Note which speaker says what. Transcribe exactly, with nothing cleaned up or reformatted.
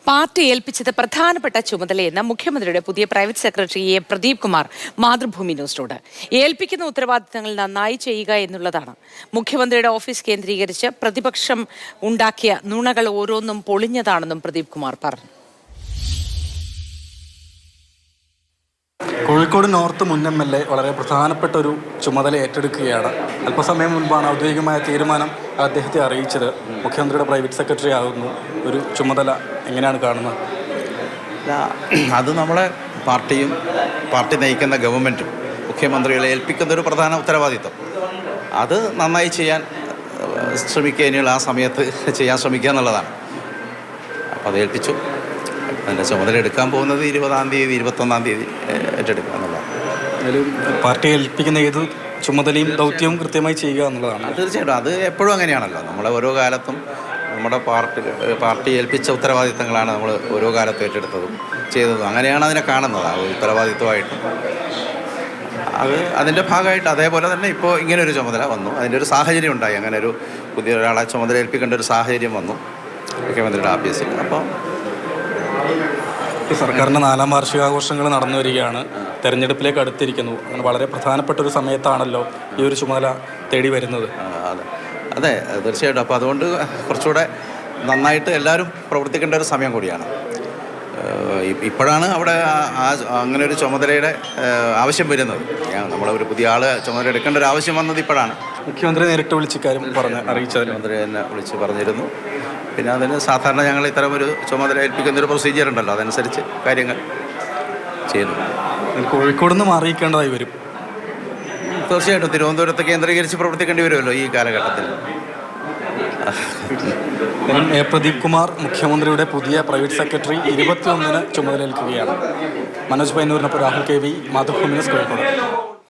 Speaker 1: Party ഏൽപ്പിച്ചത് പ്രധാനപ്പെട്ട ചുമതലയെന്ന് മുഖ്യമന്ത്രിയുടെ പുതിയ private secretary A Pradeep Kumar Mathrubhumi ന്യൂസിനോട്. ഏൽപ്പിക്കുന്ന ഉത്തരവാദിത്തങ്ങൾ നന്നായി ചെയ്യുക എന്നുള്ളതാണ്. മുഖ്യമന്ത്രിയുടെ ഓഫീസ് കേന്ദ്രീകരിച്ച് പ്രതിപക്ഷം ഉണ്ടാക്കിയ നുണകൾ ഓരോന്നും പൊളിഞ്ഞതാണെന്നും പ്രദീപ് കുമാർ പറഞ്ഞു.
Speaker 2: കോഴിക്കോട് നോർത്ത് മുൻ എം എൽ എ വളരെ പ്രധാനപ്പെട്ട ഒരു ചുമതല ഏറ്റെടുക്കുകയാണ്. അല്പസമയം മുൻപാണ് ഔദ്യോഗികമായ തീരുമാനം അദ്ദേഹത്തെ അറിയിച്ചത്. മുഖ്യമന്ത്രിയുടെ പ്രൈവറ്റ് സെക്രട്ടറി ആകുന്നു. ഒരു ചുമതല എങ്ങനെയാണ് കാണുന്നത്?
Speaker 3: അത് നമ്മളെ പാർട്ടിയും പാർട്ടി നയിക്കുന്ന ഗവൺമെൻറ്റും മുഖ്യമന്ത്രികളെ ഏൽപ്പിക്കുന്ന ഒരു പ്രധാന ഉത്തരവാദിത്വം. അത് നന്നായി ചെയ്യാൻ ശ്രമിക്കുക, ഇനിയുള്ള ആ സമയത്ത് ചെയ്യാൻ ശ്രമിക്കുക എന്നുള്ളതാണ്. അപ്പോൾ അത് ഏൽപ്പിച്ചു. അതിൻ്റെ ചുമതല എടുക്കാൻ പോകുന്നത് ഇരുപതാം തീയതി ഇരുപത്തൊന്നാം തീയതി ഏറ്റെടുക്കുക എന്നുള്ളതാണ്.
Speaker 2: അതിൽ പാർട്ടി ഏൽപ്പിക്കുന്ന ഏത് ചുമതലയും ദൗത്യവും കൃത്യമായി ചെയ്യുക എന്നുള്ളതാണ്.
Speaker 3: തീർച്ചയായിട്ടും അത് എപ്പോഴും അങ്ങനെയാണല്ലോ. നമ്മളെ ഓരോ കാലത്തും നമ്മുടെ പാർട്ടി പാർട്ടി ഏൽപ്പിച്ച ഉത്തരവാദിത്തങ്ങളാണ് നമ്മൾ ഓരോ കാലത്തും ഏറ്റെടുത്തതും ചെയ്തതും. അങ്ങനെയാണ് അതിനെ കാണുന്നത്, ആ ഉത്തരവാദിത്വമായിട്ട്. അത് അതിൻ്റെ ഭാഗമായിട്ട് അതേപോലെ തന്നെ ഇപ്പോൾ ഇങ്ങനൊരു ചുമതല വന്നു. അതിൻ്റെ ഒരു സാഹചര്യം ഉണ്ടായി. അങ്ങനെ ഒരു പുതിയ ഒരാളെ ചുമതല ഏൽപ്പിക്കേണ്ട ഒരു സാഹചര്യം വന്നു മുഖ്യമന്ത്രിയുടെ ഓഫീസിൽ. അപ്പോൾ
Speaker 2: സർക്കാരിൻ്റെ നാലാം വാർഷികാഘോഷങ്ങൾ നടന്നു വരികയാണ്. തെരഞ്ഞെടുപ്പിലേക്ക് അടുത്തിരിക്കുന്നു. അങ്ങനെ വളരെ പ്രധാനപ്പെട്ട ഒരു സമയത്താണല്ലോ ഈ ഒരു ചുമതല തേടി വരുന്നത്.
Speaker 3: അതെ അതെ തീർച്ചയായിട്ടും. അപ്പോൾ അതുകൊണ്ട് കുറച്ചുകൂടെ നന്നായിട്ട് എല്ലാവരും പ്രവർത്തിക്കേണ്ട ഒരു സമയം കൂടിയാണ്. ഇപ്പോഴാണ് അവിടെ അങ്ങനെ ഒരു ചുമതലയുടെ ആവശ്യം വരുന്നത്. നമ്മളൊരു പുതിയ ആൾ ചുമതല എടുക്കേണ്ട ഒരു ആവശ്യം വന്നത് ഇപ്പോഴാണ്.
Speaker 2: മുഖ്യമന്ത്രി നേരിട്ട് വിളിച്ച് കാര്യം പറഞ്ഞ് അറിയിച്ചത്
Speaker 3: മന്ത്രി എന്നെ വിളിച്ച് പറഞ്ഞിരുന്നു. പിന്നെ അതിന് സാധാരണ ഞങ്ങൾ ഇത്തരം ഒരു ചുമതല ഏൽപ്പിക്കുന്നൊരു പ്രൊസീജിയർ ഉണ്ടല്ലോ, അതനുസരിച്ച് കാര്യങ്ങൾ ചെയ്യുന്നു.
Speaker 2: കോഴിക്കോട് നിന്ന് മാറിയിക്കേണ്ടതായി വരും.
Speaker 3: തീർച്ചയായിട്ടും തിരുവനന്തപുരത്ത് കേന്ദ്രീകരിച്ച് പ്രവർത്തിക്കേണ്ടി വരുമല്ലോ ഈ കാലഘട്ടത്തിൽ.
Speaker 2: എ പ്രദീപ് കുമാർ മുഖ്യമന്ത്രിയുടെ പുതിയ പ്രൈവറ്റ് സെക്രട്ടറി ഇരുപത്തിയൊന്നിന് ചുമതലയേൽക്കുകയാണ്. മനോജ് പൈനൂരിനൊപ്പം Rahul K V, Mathrubhumi news, Kozhikode.